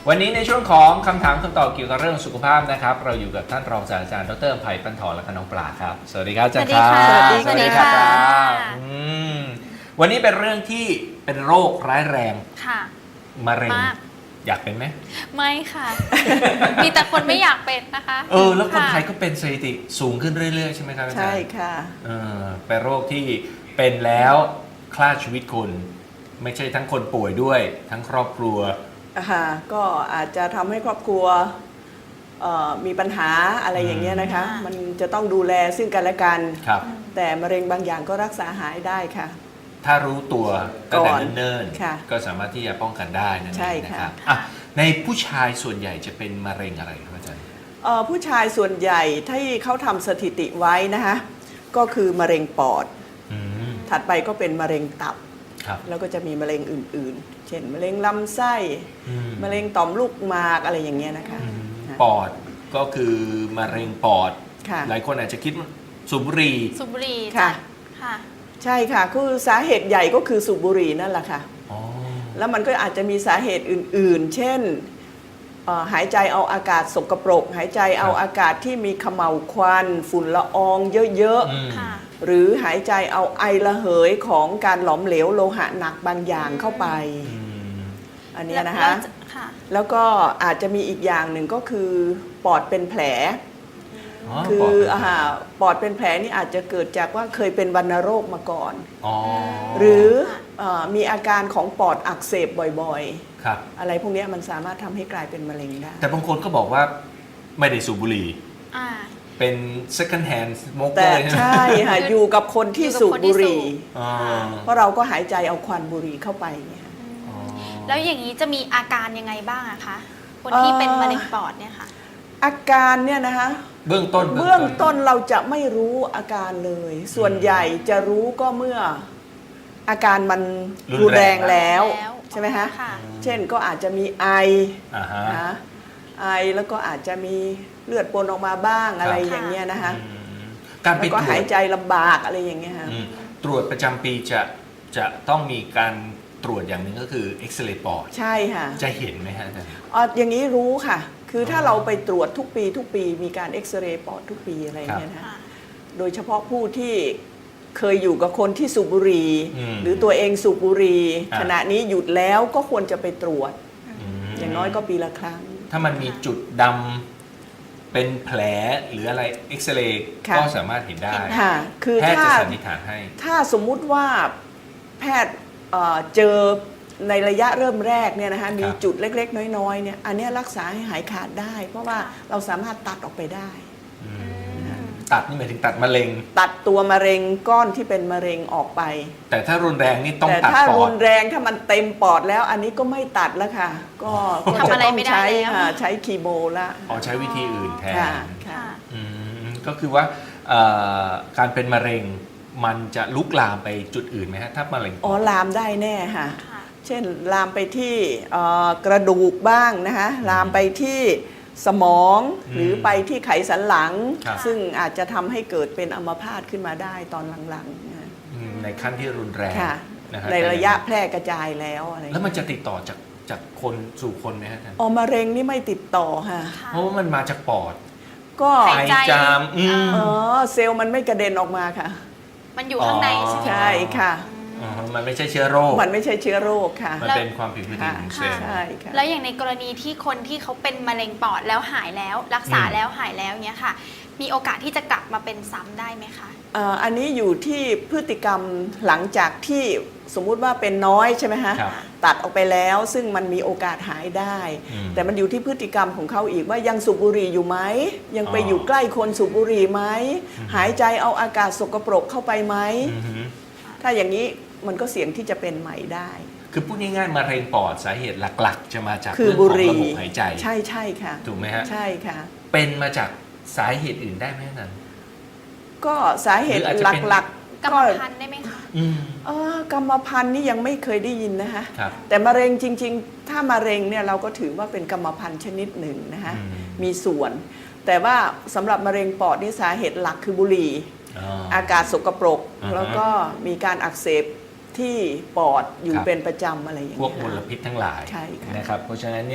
วันนี้ในช่วงของคำถามคำตอบเกี่ยวกับเรื่องสุขภาพนะครับเราอยู่กับท่านรองศาสตราจารย์ดร.ไผ่ปันถอนและก็น้องปลาครับสวัสดีครับอาจารย์ครับสวัสดีค่ะวันนี้เป็นเรื่องที่เป็นโรคร้ายแรงค่ะมะเร็งมากอยากเป็นไหมไม่ค่ะ มีแต่คนไม่อยากเป็นนะคะแล้วคนไทยก็เป็นสถิติสูงขึ้นเรื่อยๆใช่ไหมครับอาจารย์ใช่ค่ะเป็นโรคที่เป็นแล้วฆ่าชีวิตคนไม่ใช่ทั้งคนป่วยด้วยทั้งครอบครัวก็อาจจะทำให้ครอบครัวมีปัญหาอะไรอย่างเงี้ยนะคะ มันจะต้องดูแลซึ่งกันและกันครับแต่มะเร็งบางอย่างก็รักษาหายได้ค่ะถ้ารู้ตัวตั้งแต่ก่อนเนิ่นค่ะๆก็สามารถที่จะป้องกันได้นั่นเอใช่งนะค่ะครับอ่ะในผู้ชายส่วนใหญ่จะเป็นมะเร็งอะไรครับอาจารย์ผู้ชายส่วนใหญ่ที่เขาทำสถิติไว้นะคะก็คือมะเร็งปอดอืมถัดไปก็เป็นมะเร็งตับครับแล้วก็จะมีมะเร็งอื่นๆ เช่นมะเร็งลำไส้อืมะเร็งต่อมลูกหมากอะไรอย่างเงี้ยนะคะอืมค่ะปอดก็คือมะเร็งปอดค่ะหลายคนอาจจะคิดว่าสูบบุหรี่สูบบุหรี่ค่ะค่ะใช่ค่ะคือสาเหตุใหญ่ก็คือสูบบุหรี่นั่นแหละค่ะอ๋อแล้วมันก็อาจจะมีสาเหตุอื่นๆ เช่นหายใจเอาอากาศสกปรก หายใจเอาอากาศที่มีเขม่าวควันฝุ่นละอองเยอะอืมค่ะๆ หรือหายใจเอาไอระเหยของการหลอมเหลวโลหะหนักบางอย่างเข้าไปอืมอันเนี้ยนะคะแล้วค่ะแล้วก็อาจจะมีอีกอย่างหนึ่งก็คือปอดเป็นแผล คืปอดเป็นปอดเป็นแผลนี่อาจจะเกิดจากว่าเคยเป็นวัณโรคมาก่อนอ๋อหรือค่ะมีอาการของปอดอักเสบบ่อยครับๆ อะไรพวกเนี้ยมันสามารถทำให้กลายเป็นมะเร็งได้แต่บางคนก็บอกว่าไม่ได้สูบบุหรี่อ่าเป็น second hand แต่ smoker ใช่ไหมใช่ค่ะ อยู่กับคนที่สูบบุหรี่อ๋อเพราะเราก็หายใจเอาควันบุหรี่เข้าไปเนี่ยอ๋อแล้วอย่างนี้จะมีอาการยังไงบ้างอะคะ คนที่เป็นมะเร็งปอดเนี่ยค่ะอาการเนี่ยนะคะเบื้องต้นเบื้องต้นเราจะไม่รู้อาการเลย ส่วนใหญ่จะรู้ก็เมื่ออาการมันรุนแรงแล้วแล้วใช่ไหมคะค่ะเช่นก็อาจจะมีไออ่าฮะนะไอแล้วก็อาจจะมีเลือดปนออกมาบ้างอะไรอย่างเงี้ยนะคะอืมการไปแล้วตก็รวหายจใจลำบากอะไรอย่างเงี้ยค่ะตรวจประจำปีจะต้องมีการตรวจอย่างหนึ่งก็คือเอ็กซเรย์ปอดใช่ค่ะจะเห็นไหมฮะอาจารย์อย่างนี้รู้ค่ะ คือถ้าเราไปตรวจทุกปีมีการเอ็กซเรย์ปอดทุกปีอะไรอย่างเงี้ยนะคะค่ะโดยเฉพาะผู้ที่เคยอยู่กับคนที่สูบบุหรี่มหรือตัวเองสูบบุหรี่อ่าขณะนี้หยุดแล้วก็ควรจะไปตรวจมอย่างน้อยก็ปีละครั้งถ้ามันมีจุดดำเป็นแผลหรืออะไรเอ็กซเรย์ค่ะก็สามารถเห็นได้ค่ะ คือแพทย์ถ้าจะสันนิษฐานให้ถ้าสมมุติว่าแพทย์เจอในระยะเริ่มแรกเนี่ยนะคะมีจุดเล็กๆ น้อยๆเนี่ยอันเนี้ยรักษาให้หายขาดได้ เพราะว่าเราสามารถตัดออกไปได้อืมตัดนี่หมายถึงตัดมะเร็งตัดตัวมะเร็งก้อนที่เป็นมะเร็งออกไปแต่ถ้ารุนแรงนี่ต้องแต่ตัดถ้าปอรุดนแรงถ้ามันเต็มปอดแล้ว อันนี้ก็ไม่ตัดแล้วค่ะ ก็จะทำอะไรต้องไม่ได้ใช้แล้วใช้คีโมละอ๋อใช้วิธีอื่นแทนค่ะค่ะค่ะอืมก็คือว่าการเป็นมะเร็งมันจะลุกลามไปจุดอื่นไหมฮะถ้ามะเร็งอ๋อลามได้แน่ค่ะค่ะเช่นลามไปที่กระดูกบ้างนะคะลามไปที่สมองหรือไปที่ไขสันหลังครับซึ่งอาจจะทำให้เกิดเป็นอัมพาตขึ้นมาได้ตอนหลังๆนะในขั้นที่รุนแรงค่ะนะฮะในระยะแพร่กระจายแล้วอะไรแล้วมันจะติดต่อจากคนสู่คนไหมฮะอาจารย์อ๋อมะเร็งนี่ไม่ติดต่อค่ะค่ะเพราะว่ามันมาจากปอดก็หายใจจามเซลล์มันไม่กระเด็นออกมาค่ะมันอยู่ข้างในใช่ไหมใช่ค่ะอ๋อมันไม่ใช่เชื้อโรคมันไม่ใช่เชื้อโรคค่ะมันเป็นความผิดปกติของเซลล์ใช่ค่ะแล้วอย่างในกรณีที่คนที่เขาเป็นมะเร็งปอดแล้วหายแล้ว รักษาแล้วหายแล้วเนี้ยค่ะ มีโอกาสที่จะกลับมาเป็นซ้ำได้ไหมคะอันนี้อยู่ที่พฤติกรรมหลังจากที่สมมุติว่าเป็นน้อยใช่ไหมฮะครับตัดออกไปแล้วซึ่งมันมีโอกาสหายได้อืมแต่มันอยู่ที่พฤติกรรมของเขาอีกว่ายังสูบบุหรี่อยู่ไหมยังไปอ๋อออยู่ใกล้คนสูบบุหรี่ไหมอืมหายใจเอาอากาศสกปรกเข้าไปไหมอือฮึถ้าอย่างนี้มันก็เสี่ยงที่จะเป็นใหม่ได้คือพูดง่ายๆมะเร็งปอดสาเหตุหลักๆ จะมาจากคือเรื่องบุของหรี่ระบบหายใจใช่ใช่ค่ะถูกไหมฮะใช่ค่ะเป็นมาจากสาเหตุอื่นได้ไหมนั้นก็สาเหตุหรืออาจจะเป็นหลักกรๆรมก็พันธุ์ได้ไหมคะอืมกรรมพันธุ์นี่ยังไม่เคยได้ยินนะคะครับแต่มะเร็งจริงๆ ถ้ามะเร็งเนี่ยเราก็ถือว่าเป็นกรรมพันธุ์ชนิดหนึ่งนะคะอืมมีส่วน แต่ว่าสำหรับมะเร็งปอดนี่สาเหตุหลักคือบุหรี่อ๋ออากาศสกปรกอ่าฮะแล้วก็มีการอักเสบที่ปอดอยู่ครับเป็นประจำอะไรอย่างพวกเงี้ยมลพิษทั้งหลายใช่ค่ะนะครับ เพราะฉะนั้นเนี่ย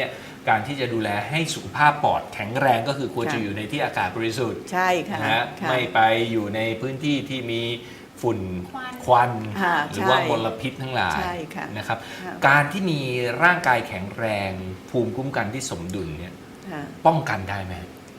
การที่จะดูแลให้สุขภาพปอดแข็งแรงก็คือควรค่ะจะอยู่ในที่อากาศบริสุทธิ์ใช่ค่ะนะฮะค่ะไม่ไปอยู่ในพื้นที่ที่มีฝุ่นควันควันค่ะหรือว่าใช่มลพิษทั้งหลายใช่ค่ะนะครับค่ะการที่มีร่างกายแข็งแรงภูมิคุ้มกันที่สมดุลเนี่ยค่ะป้องกันได้ไหม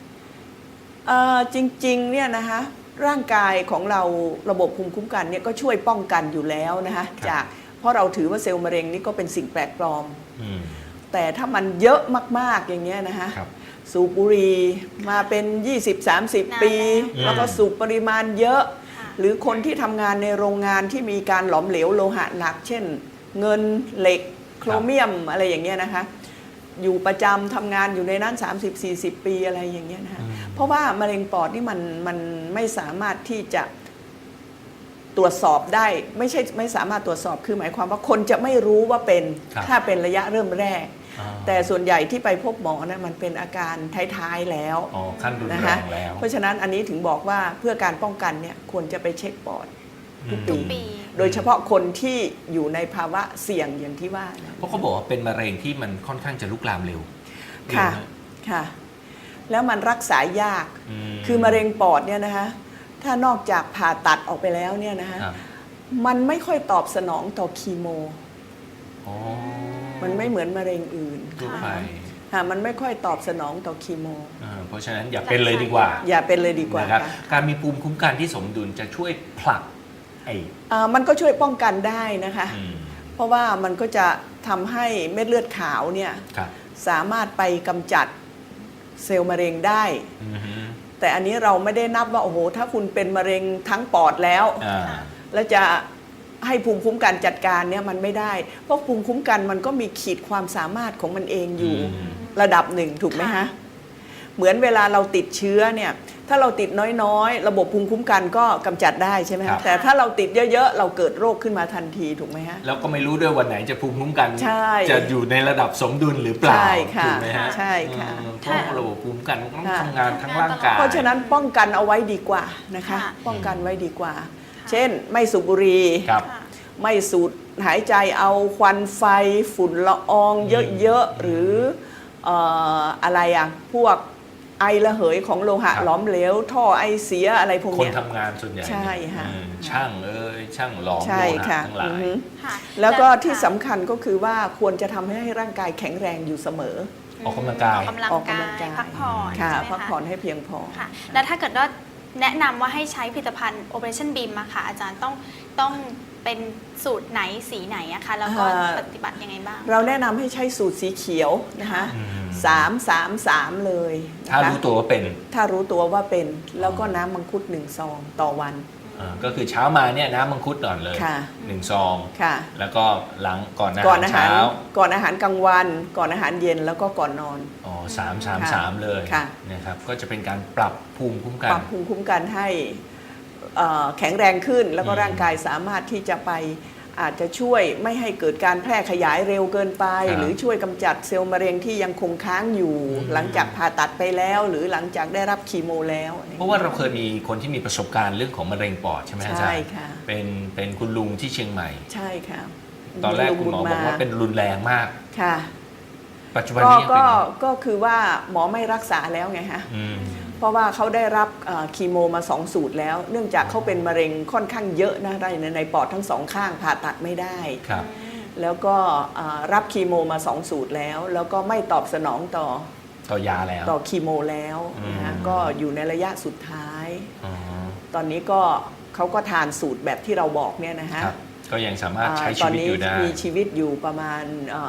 จริงๆเนี่ยนะคะร่างกายของเราระบบภูมิคุ้มกันเนี่ยก็ช่วยป้องกันอยู่แล้วนะคะจากเพราะเราถือว่าเซลล์มะเร็งนี่ก็เป็นสิ่งแปลกปลอมอืมแต่ถ้ามันเยอะมากๆอย่างเงี้ยนะคะครับสูบบุหรี่มาเป็น 20-30 ปีอืมแล้วก็สูบปริมาณเยอะค่ะหรือคนที่ทำงานในโรงงานที่มีการหลอมเหลวโลหะหนัก เช่น เงินเหล็กโครเมียมอะไรอย่างเงี้ยนะคะอยู่ประจำทำงานอยู่ในนั้น 30-40 ปีอะไรอย่างเงี้ยนะคะอืมเพราะว่ามะเร็งปอดนี่มันไม่สามารถที่จะตรวจสอบได้ไม่สามารถตรวจสอบคือหมายความว่าคนจะไม่รู้ว่าเป็นครับถ้าเป็นระยะเริ่มแรกอ่าแต่ส่วนใหญ่ที่ไปพบหมอนะมันเป็นอาการท้ายๆแล้วอ๋อขั้นรุนนะแรคะงแล้วเพราะฉะนั้นอันนี้ถึงบอกว่าเพื่อการป้องกันเนี่ยควรจะไปเช็คปอด ทุกอืมปีโดยเฉพาะคนที่อยู่ในภาวะเสี่ยงอย่างที่ว่านะเพราะเขาบอกว่าเป็นมะเร็งที่มันค่อนข้างจะลุกลามเร็วค่ะเร็วนค่ะ แล้วมันรักษายากมคือมะเร็งปอดเนี่ยนะคะถ้านอกจากผ่าตัดออกไปแล้วเนี่ยนะคะครับมันไม่ค่อยตอบสนองต่อคีโมอ๋อมันไม่เหมือนมะเร็งอื่นทั่วไปค่ะมันไม่ค่อยตอบสนองต่อคีโมเพราะฉะนั้นอย่าเป็นเลยดีกว่าอย่าเป็นเลยดีกว่านะครับค่ะการมีภูมิคุ้มกันที่สมดุลจะช่วยผลักไอ้มันก็ช่วยป้องกันได้นะคะอืมเพราะว่ามันก็จะทำให้เม็ดเลือดขาวเนี่ยครับสามารถไปกำจัดเซลล์มะเร็งได้อือฮึแต่อันนี้เราไม่ได้นับว่าโอ้โหถ้าคุณเป็นมะเร็งทั้งปอดแล้วอ่าแล้วจะให้ภูมิคุ้มกันจัดการเนี่ยมันไม่ได้ เพราะภูมิคุ้มกันมันก็มีขีดความสามารถของมันเองอยู่อืมระดับหนึ่งถูกไหมค่ะฮะเหมือนเวลาเราติดเชื้อเนี่ยถ้าเราติดน้อยๆ ระบบภูมิคุ้มกันก็กำจัดได้ใช่ไหมครัฮะบแต่ถ้าเราติดเยอะๆ เราเกิดโรคขึ้นมาทันทีถูกไหมฮะแล้วก็ไม่รู้ด้วยวันไหนจะภูมิคุ้มกันใช่จะอยู่ในระดับสมดุลหรือเปล่าใช่ค่ะถูกไหมฮะใช่ค่ะเพราะระบบภูมิคุ้มกันมันต้องค่ะทำงานทั้งร่างกายเพราะฉะนั้นป้องกันเอาไว้ดีกว่านะคะค่ะป้องกันไว้ดีกว่า เช่นไม่สูบบุหรี่ครับค่ะไม่สูดหายใจเอาควันไฟฝุ่นละอองเยอะๆ หรืออะไรอ่ะพวกไอระเหยของโลหะครับหลอมเหลว ท่อไอเสียอะไรพวกคนเนี้ยทำงานส่วนใหญ่ใช่ค่ะช่างช่างหลอมใช่โลหะค่ะทั้งหลาอือย ฮึค่ะแล้วก็ค่ะที่สำคัญก็คือว่าควรจะทำให้ร่างกายแข็งแรงอยู่เสมอออกกำลังกายออกกำลังออกกำลังกากาย ยพักผ่อนค่ะใช่ไหมพักผ่อนให้เพียงพอค่ะ แล้วถ้าเกิดว่าแนะนำว่าให้ใช้ผลิตภัณฑ์ Operation Beam อะค่ะ อาจารย์ต้องเป็นสูตรไหนสีไหนอะคะแล้วก็ปฏิบัติยังไงบ้างเราแนะนำให้ใช้สูตรสีเขียวนะคะอืม 3-3-3 เลยนะถ้าคะรู้ตัวว่าเป็นถ้ารู้ตัวว่าเป็นแล้วก็น้ำมังคุด1 ซองต่อวันก็คือเช้ามาเนี่ยน้ำมังคุดก่อนเลยค่ะ 1 ซองค่ะแล้วก็หลังก่อนอาก่อนหารอาหารเช้าก่อนอาหารกลางวัน ก่อนอาหารเย็นแล้วก็ก่อนนอนอ๋อ3-3-3 เลยค่ะนะครับก็จะเป็นการปรับภูมิคุ้มกัปนรับภูมิคุ้มกันให้แข็งแรงขึ้น แล้วก็อืมร่างกายสามารถที่จะไปอาจจะช่วยไม่ให้เกิดการแพร่ขยายเร็วเกินไปครับหรือช่วยกำจัดเซลล์มะเร็งที่ยังคงค้างอยู่อืมหลังจากผ่าตัดไปแล้ว หรือหลังจากได้รับคีโมแล้วเพราะว่าเราเคยมีคนที่มีประสบการณ์เรื่องของมะเร็งปอดใช่ไหมอาจารย์ใช่ค่ะเป็นคุณลุงที่เชียงใหม่ใช่ค่ะตอนแรกคุณหมอบอกว่าเป็นรุนแรงมากค่ะปัจจุบันนี้ยังเป็นอยู่ก็คือว่าหมอไม่รักษาแล้วไงฮะอืมเพราะว่าเขาได้รับคีโมมา2 สูตรแล้ว เนื่องจากเขาเป็นมะเร็งค่อนข้างเยอะนะในปอดทั้งสองข้างผ่าตัดไม่ได้ครับแล้วก็รับคีโมมา2 สูตรแล้ว แล้วก็ไม่ตอบสนองต่อยาแล้วต่อคีโมแล้วนะฮะอืมก็อยู่ในระยะสุดท้ายอ๋อตอนนี้ก็เขาก็ทานสูตรแบบที่เราบอกเนี่ยนะฮะครับก็ยังสามารถใช้ตชีอนวิตนี้อยู่ได้มีชีวิตอยู่ประมาณ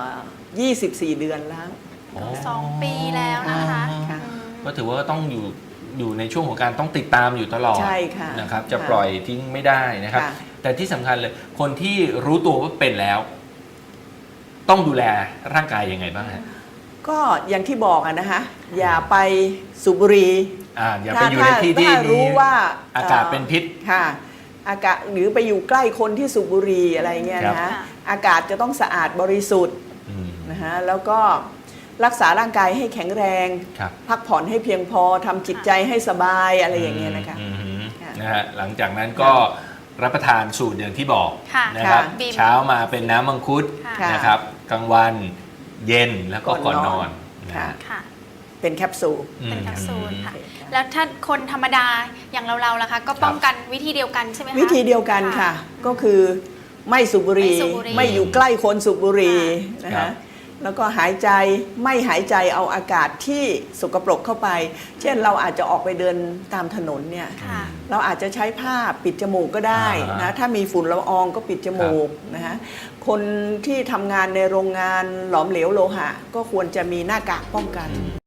24 เดือนแล้วอ๋อ 2 ปีแล้วนะคะค่ะอืมก็ถือว่าต้องอยู่ในช่วงของการต้องติดตามอยู่ตลอดใช่ค่ะนะครับ จะค่ะปล่อยทิ้งไม่ได้นะครับค่ะแต่ที่สำคัญเลย คนที่รู้ตัวว่าเป็นแล้ว ต้องดูแลร่างกายยังไงบ้างฮะก็อย่างที่บอกอะนะคะอย่าไปสูบบุหรี่อย่าไปอยู่ในที่ที่ถ้ามีรู้ว่าอากาศเป็นพิษค่ะอากาศหรือไปอยู่ใกล้คนที่สูบบุหรี่อะไรเงี้ยครับนะค่ะอากาศจะต้องสะอาดบริสุทธิ์อืมนะฮะแล้วก็รักษาร่างกายให้แข็งแรงครับพักผ่อนให้เพียงพอทำจิตใจให้สบายอะไรอย่างเงี้ยนะคะอืมค่ะนะฮะหลังจากนั้นก็รับประทานสูตรอย่างที่บอกค่ะนะครับค่ะเช้ามาเป็นน้ำมังคุดค่ะนะครับกลางวันเย็นแล้วก็ก่อนนอนก่อนนอนอืค่ะค่ะเป็นแคปซูลเป็นแคปซูลค่ะอืมแล้วถ้าคนธรรมดาอย่างเราล่ะคะก็ป้องกันวิธีเดียวกันใช่ไหมคะวิธีเดียวกันค่ะ ก็คือไม่สูบบุหรี่ไม่สูบบุหรี่ไม่อยู่ใกล้คนสูบบุหรี่นะครัคะบแล้วก็หายใจไม่หายใจเอาอากาศที่สกปรกเข้าไป เช่นเราอาจจะออกไปเดินตามถนนเนี่ยค่ะเราอาจจะใช้ผ้าปิดจมูกก็ได้นะถ้ามีฝุ่นละอองก็ปิดจมูกนะคะคนที่ทำงานในโรงงานหลอมเหลวโลหะ ก็ควรจะมีหน้ากากป้องกัน